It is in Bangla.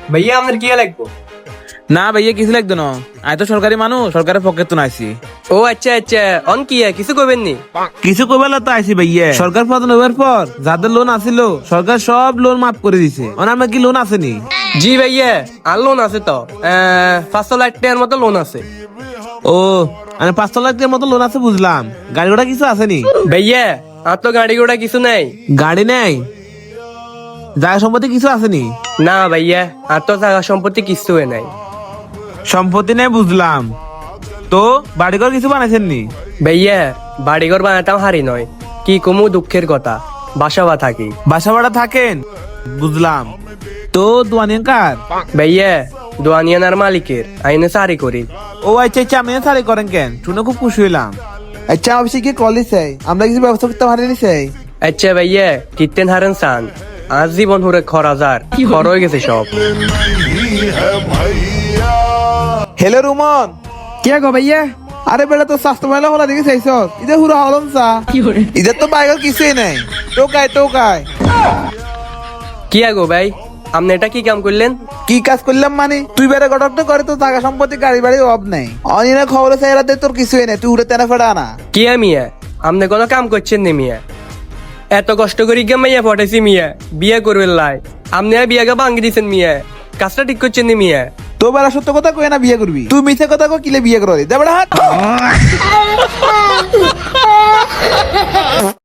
ভাইয়া আপনার কি লাগবো? না ভাইয়া কিছু লাগতো না, আমি তো সরকারি মানুষ, সরকারের পকেট তো নাইছি। ও আচ্ছা আচ্ছা, অন কি কিছু করবেন নি? কিছু কইবার তো আইছি ভাইয়া। সরকার প্রধান হওয়ার পর যাদের লোন আছিল সরকার সব লোন মাফ করে দিছে। আমার কি লোন আসেনি? জি ভাইয়া, আর লোন আছে তো 500 লাখ টাকার মতো লোন আছে। ও মানে 500 লাখ টাকার মতো লোন আছে, বুঝলাম। গাড়ি ঘোড়া কিছু আসেনি? ভাইয়া আর তো গাড়ি ঘোড়া কিছু নাই। গাড়ি নেই, জায়গা সম্পত্তি কিছু আসেনি? না ভাইয়া, আর তো জায়গা সম্পত্তি কিছু নাই। সম্পত্তি নেই, বুঝলাম। তো বাড়িঘর কিছু বানাইছেন নি? ভাইয়া বাড়িঘর বানাতাম হারি নয়, কি কমু দুঃখের কথা, বাসাবা থাকি। বাসা ভাড়া থাকেন, বুঝলাম। তো দোয়ানিয়া কার? ভাইয়া দোয়ানিয়ানার মালিকের, আইনে সারি করি। ও আচ্ছা আচ্ছা, আমি সারি করেন কেন? শুনে খুব খুশি হইলাম। আচ্ছা অফিসে গিয়ে কল দিছে, আমরা কিছু ব্যবস্থা করতে পারিনি সেই। আচ্ছা ভাইয়া কিতেন হারেন সান, আজ জীবন হুরে খরাজার খর হয়ে গেছে সব। হ্যালো রুমন। কে গো ভাইয়া? আরে বেটা তো স্বাস্থ্য মেলা হলা দেখে চাইছ, ইদে হুরা হলম চা ইদের তো বাইকের কিছুই নাই। টোকায় কি আগো ভাই, আপনি এটা কি কাম করলেন? কি কাজ করলাম মানে? তুই বেড়ে গটক করে তো টাকা সম্পত্তি গাড়ি বাড়ি অভাব নাই, অনিনা খবর চাইরাতে তোর কিছুই নাই, তুই উড়ে তেনা ফেড়া না। কি মিয়া, আপনি কোনো কাম করছেন নি মিয়া? এত কষ্ট করি গে মাইয়া পটাইছি মিয়া, বিয়ে করবেন লাই, আপনি আর বিয়াকে ভাঙ্গি দিচ্ছেন মিয়া, কাজটা ঠিক করছেন নি মিয়া? তো বেড়া সত্য কথা কই না বিয়ে করবি, তুই মিথ্যে কথা কো কিলে বিয়ে করবি? দে বেড়া হাত।